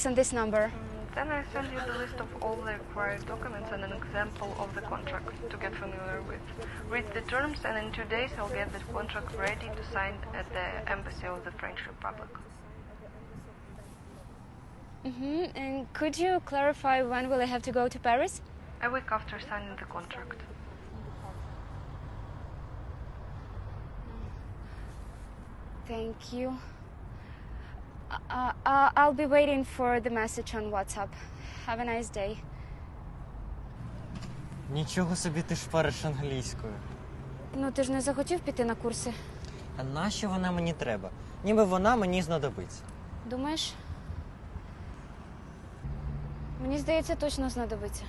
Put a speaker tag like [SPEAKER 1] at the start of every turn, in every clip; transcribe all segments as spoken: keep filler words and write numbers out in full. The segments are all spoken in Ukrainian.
[SPEAKER 1] It's on this number.
[SPEAKER 2] Then I send you the list of all the required documents and an example of the contract to get familiar with. Read the terms, and in two days I'll get the contract ready to sign at the Embassy of the French Republic.
[SPEAKER 1] Mm-hmm. And could you clarify when will I have to go to Paris?
[SPEAKER 2] A week after signing the contract.
[SPEAKER 1] Thank you. Uh, uh, I'll be waiting for the message on WhatsApp. Have a nice day.
[SPEAKER 3] Нічого собі ти шпариш англійською.
[SPEAKER 1] Ну, ти ж не захотів піти на курси?
[SPEAKER 3] А нащо вона мені треба? Ніби вона мені знадобиться.
[SPEAKER 1] Думаєш? Мені здається, точно знадобиться.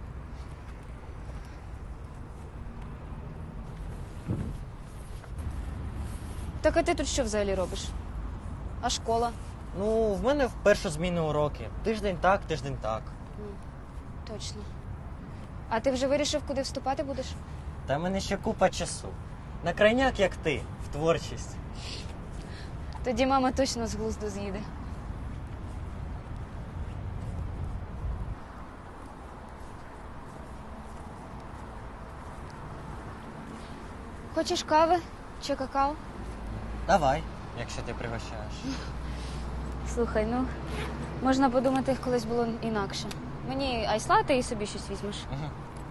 [SPEAKER 1] Так а ти тут що взагалі робиш? А школа?
[SPEAKER 3] Ну, в мене в першу зміну уроки. Тиждень так, тиждень так.
[SPEAKER 1] Точно. А ти вже вирішив, куди вступати будеш?
[SPEAKER 3] Та в мене ще купа часу. На крайняк, як ти, в творчість.
[SPEAKER 1] Тоді мама точно з глузду з'їде. Хочеш кави чи какао?
[SPEAKER 3] Давай, якщо ти пригощаєш.
[SPEAKER 1] Слухай, ну, можна подумати, колись було інакше. Мені айсла, ти і собі щось візьмеш.
[SPEAKER 3] Угу.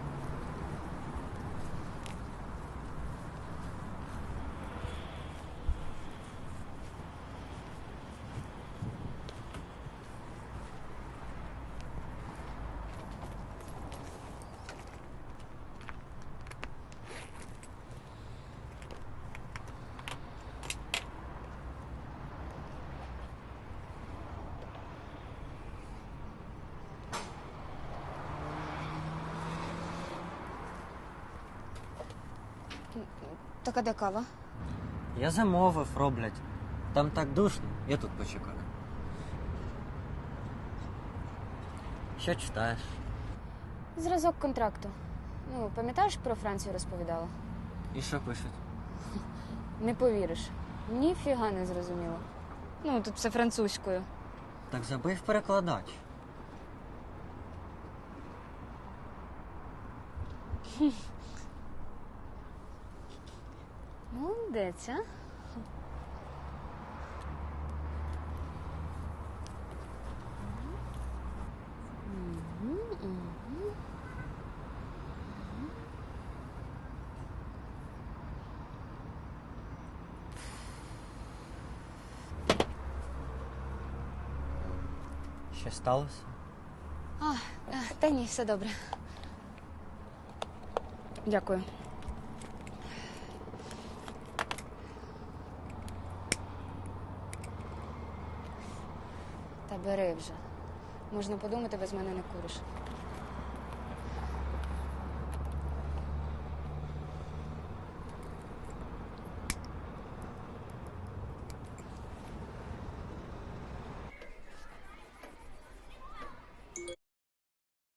[SPEAKER 1] Так а де кава?
[SPEAKER 3] Я замовив, роблять. Там так душно, я тут почекаю. Що читаєш?
[SPEAKER 1] Зразок контракту. Ну, пам'ятаєш, про Францію розповідала?
[SPEAKER 3] І що пишуть?
[SPEAKER 1] Не повіриш. Ніфіга не зрозуміло. Ну, тут все французькою.
[SPEAKER 3] Так забив перекладач.
[SPEAKER 1] Молодець, а?
[SPEAKER 3] Що сталося?
[SPEAKER 1] А, та ні, все добре. Дякую. Та бери вже. Можна подумати, без мене не куриш.